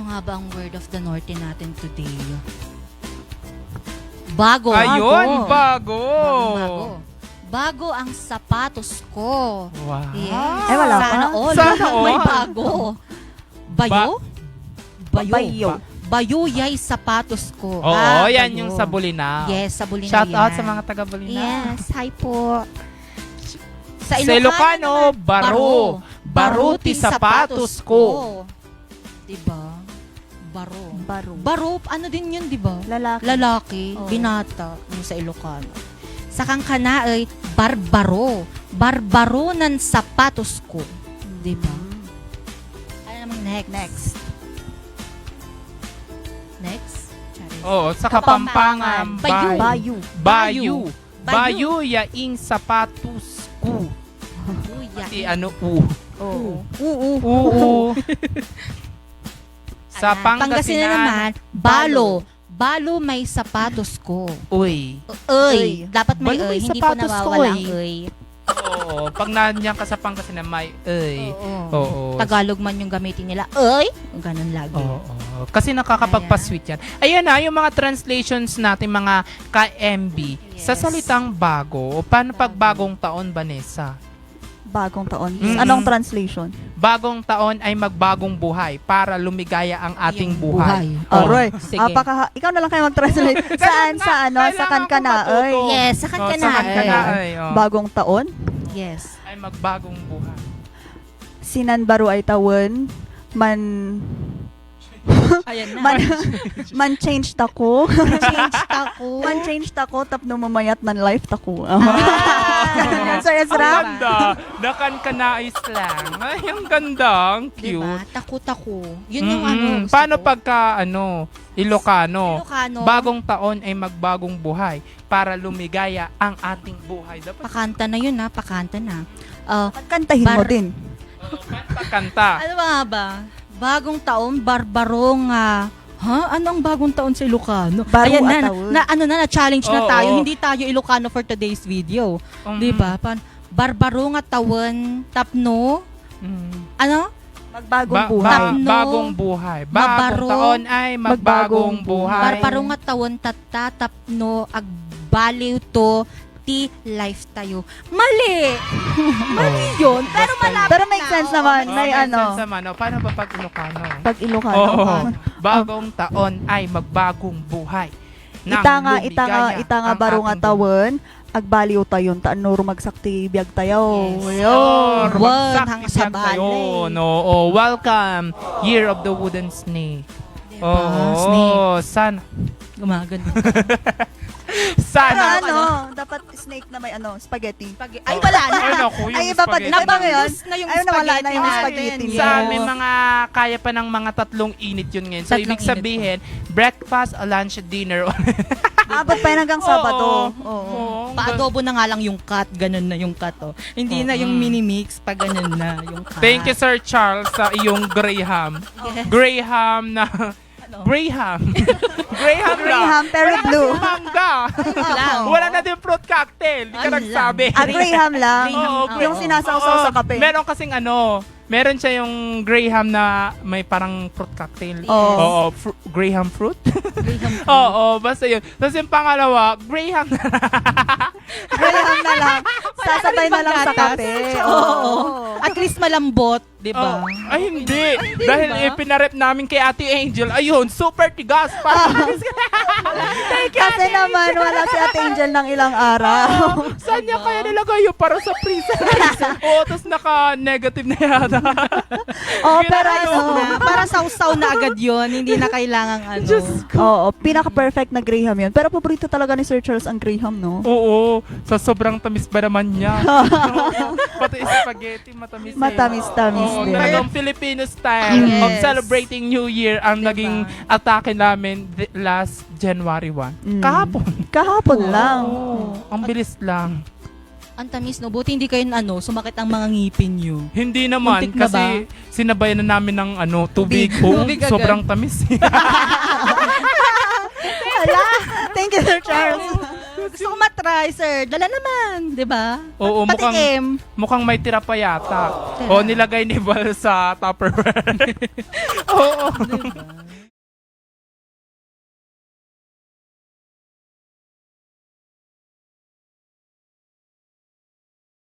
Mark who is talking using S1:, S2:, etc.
S1: nga ba ang word of the Norte natin today? Bago.
S2: Ayun, bago.
S1: Bago. Bago ang sapatos ko.
S2: Wow.
S1: Yes.
S3: Ay, wala pa.
S1: Sana all.
S2: Sana all.
S1: May bago. Bayo?
S3: Bayo.
S1: Bayuyay sapatos ko.
S2: Oo, yan
S1: bayo.
S2: yung sa Bulinaw.
S1: Yes, sa Bulinaw
S2: Shout out
S1: yan.
S2: sa mga taga Bulinaw.
S1: Yes, hi po.
S2: Sa Ilocano, baro. Baruti sapatos ko.
S1: Diba? Baro.
S3: Baro.
S1: Baro, ano din yun, diba?
S3: Lalaki.
S1: Lalaki,
S3: Oo.
S1: binata, yung sa Ilocano. Sa Kangkana ay barbaro. Barbaro ng sapatos ko. Diba? Ano namang next? Next? Charis.
S2: Oo, sa Kapampangan,
S1: Bayu.
S3: Bayu.
S2: Bayu.
S1: Bayu.
S2: Bayu yaing sapatos ko.
S1: Buya.
S2: Si ano, u.
S3: Oo.
S2: Oo. Sa
S1: Pangasinan
S2: Pangasinan,
S1: naman, balo. Balo may sapatos ko.
S2: uy.
S1: Uy. Dapat may
S2: Balo may
S1: uy. Hindi po
S2: sapatos ko,
S1: nawawala ang
S2: eh.
S1: uy.
S2: Oo, pag nandiyan ka sa Pangasinan, may uy. Oo.
S1: Tagalog man yung gamitin nila. Uy. Ganun lagi.
S2: Oo. Kasi nakakapagpa-sweet yan. Ayan na, yung mga translations natin, mga ka-MB, sa
S1: Yes.
S2: salitang bago. Paano pag bagong taon, Vanessa?
S3: Bagong taon.
S2: Mm-mm.
S3: Anong translation?
S2: Bagong taon ay magbagong buhay para lumigaya ang ating
S1: Yung
S2: buhay.
S1: Oh,
S3: Alright.
S1: sige.
S3: Ikaw na lang kayo mag-translate. Saan? Sa ano? Sa
S2: Kailangan
S3: Kankana.
S2: ko matuto.
S3: Ay.
S1: Yes, sa kan ka na.
S2: Sa Kankana,
S3: Bagong taon.
S1: Yes.
S2: ay magbagong buhay.
S3: Sinan baro ay tawon.
S1: Ayan
S3: Man change tako.
S1: Change ako.
S3: Man change tako tapno mamayat nan life tako.
S1: Ah.
S3: Sorry,
S2: Ang
S3: sarap.
S2: ganda. Nakankanais lang. Ay, ang ganda. Ang
S1: Diba?
S2: cute.
S1: Tako-tako. Yun yung
S2: Mm-mm.
S1: ano. gusto
S2: Paano
S1: ko.
S2: pagka, Ilocano?
S1: Ilocano,
S2: Bagong taon ay magbagong buhay para lumigaya ang ating buhay. Dapat
S1: pakanta na yun ha. Pakanta na.
S3: Kantahin mo din.
S2: kanta.
S1: Ano ba nga ba? Bagong taon, barbarong Anong bagong taon sa Ilocano?
S3: Baro
S1: Ayan
S3: at taon.
S1: na-challenge na
S2: Oo.
S1: tayo. Hindi tayo Ilocano for today's video. Di ba? Barbarong at taon, tapno, ano?
S3: Magbagong buhay.
S1: Tapno,
S2: bagong buhay. Bagong
S1: mabaro,
S2: taon ay magbagong buhay.
S1: Barbarong at taon, tatatapno, agbaliw to, ti life tayo. Mali! Mali yun. Pero malapit
S3: Pero make
S1: na.
S3: sense naman.
S2: Oo,
S3: May
S2: may
S3: ano.
S2: sense naman. O, paano ba pag Ilocano?
S3: Pag Ilocano.
S2: Oo. Bagong taon ay magbagong buhay. Nang lumigaya
S3: Itanga
S2: ang
S3: baro nga
S2: ating
S3: tawon. Agbaliw tayon taanor magsakti biyag tayo.
S1: Yes.
S3: Yun.
S1: Wan,
S2: Bagsak
S1: hang
S2: isang
S1: sa balay.
S2: tayo. No, welcome. Year of the Wooden Snake.
S1: Diba?
S2: Oo, sana.
S1: Gumagano.
S3: Pero
S2: Sana.
S3: dapat snake na may spaghetti.
S1: Ay, wala na.
S2: Ay, naku, yung
S3: Ay, iba pa din.
S2: spaghetti.
S3: Iba ba ngayon?
S1: Nabanggus na yung
S3: Ayun, nawala na yung
S1: natin.
S3: spaghetti
S1: Yes.
S3: niya.
S2: Sa amin, mga kaya pa ng mga 3 init yun ngayon. So,
S1: Tatlong
S2: ibig
S1: init
S2: sabihin, breakfast, lunch, dinner.
S3: Abot pa yun hanggang Sabado. Oo.
S2: Oo.
S1: Pa-adobo na nga lang yung cut. Ganun na yung cut. Oh. Hindi na yung mini-mix. Pa ganun na yung cut.
S2: Thank you, Sir Charles, sa iyong Graham.
S1: Yes.
S2: Graham na...
S1: Ano?
S2: Graham. Graham lang.
S3: Graham, pero
S2: Wala
S3: blue.
S2: kasing mangga.
S1: lang.
S2: Wala na din fruit cocktail. Hindi ka
S1: Ano
S2: nagsabi.
S3: Graham lang.
S1: Graham,
S2: Oo,
S3: Yung sinasawsaw
S2: Oo.
S3: sa kape.
S2: Meron kasing meron siya yung Graham na may parang fruit cocktail.
S3: Oo.
S2: Oo, Graham fruit?
S1: Graham.
S2: Oo, basta yun. Tapos yung pangalawa, Graham na
S3: Graham na lang. Sasabay na lang sa kape.
S1: Oo. At least malambot. Diba?
S2: Oh, ay, hindi. Dahil
S1: ba?
S2: pinarep namin kay Ate Angel, ayun, super tigas. Parang,
S3: Kasi naman, wala si Ate Angel ng ilang araw.
S2: saan niya kaya nilagay yun para sa freezer? Oo, tapos naka-negative na yata.
S3: Oo, pero
S1: Para sausaw na agad yon. Hindi na kailangan
S3: Oo, pinaka-perfect na Graham yun. Pero paborito talaga ni Sir Charles ang Graham, no?
S2: Oo, sa sobrang tamis ba naman niya? Oo, pati spaghetti, matamis.
S3: Matamis-tamis
S2: Oo,
S3: din.
S2: talagang Filipino style
S1: Yes.
S2: of celebrating New Year ang
S1: Diba?
S2: naging atake namin last January 1.
S3: Mm.
S2: Kahapon.
S3: Kahapon lang.
S2: Oo, ang bilis lang.
S1: Ang tamis, no? Buti hindi kayo sumakit ang mga ngipin nyo.
S2: Hindi naman
S1: Muntik na
S2: kasi sinabayan na namin ng tubig. Oo,
S1: Tubig agad.
S2: sobrang tamis.
S3: Hala! Thank you, Sir Charles. Gusto ko matry, sir. Dala naman, di ba?
S2: Oo,
S3: Patikim.
S2: mukhang may tira pa yata. O, nilagay ni Val sa Tupperware. Oo.